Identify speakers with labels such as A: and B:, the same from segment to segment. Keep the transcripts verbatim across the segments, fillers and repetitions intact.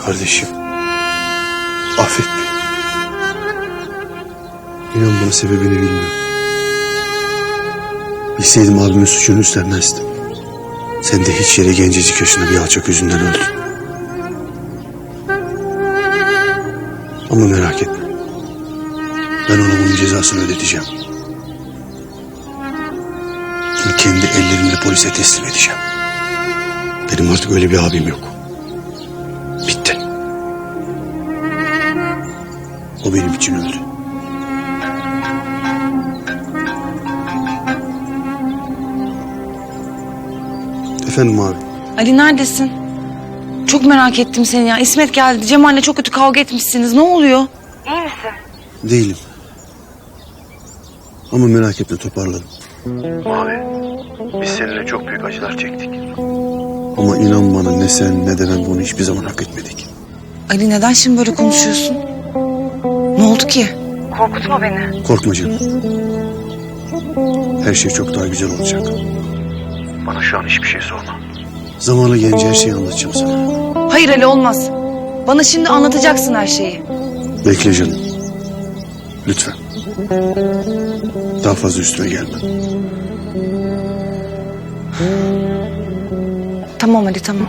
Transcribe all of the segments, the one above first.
A: Kardeşim, affet beni. İnan bana sebebini bilmiyorum. Bilseydim abimin suçunu üstlenmezdim. Sen de hiç yere gencecik yaşında bir alçak yüzünden öldün. Ama merak etme. Ben ona bunun cezasını ödeteceğim. Onu kendi ellerimle polise teslim edeceğim. Benim artık öyle bir abim yok. Bitti. O benim için öldü. Efendim abi.
B: Ali neredesin? Çok merak ettim seni ya. İsmet geldi. Cemal'le çok kötü kavga etmişsiniz. Ne oluyor? İyi misin?
A: Değilim. Ama merak etme, toparladım. Abi, biz seninle çok büyük acılar çektik. Ama inan bana, ne sen ne de ben bunu hiçbir zaman hak etmedik.
B: Ali neden şimdi böyle konuşuyorsun? Ne oldu ki? Korkutma beni.
A: Korkma canım. Her şey çok daha güzel olacak. Bana şu an hiçbir şey sorma. Zamanı gelince her şeyi anlatacağım sana.
B: Hayır Ali, olmaz. Bana şimdi anlatacaksın her şeyi.
A: Bekle canım. Lütfen. Daha fazla üstüme gelme.
B: Tamam Ali, tamam.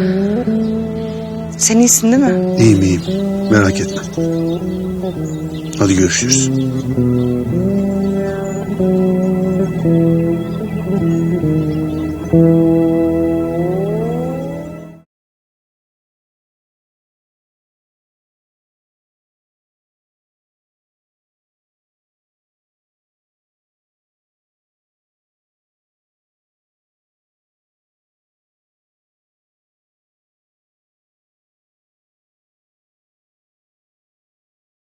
B: Sen iyisin değil mi?
A: İyiyim iyiyim. Merak etme. Hadi görüşürüz.
C: Thank you.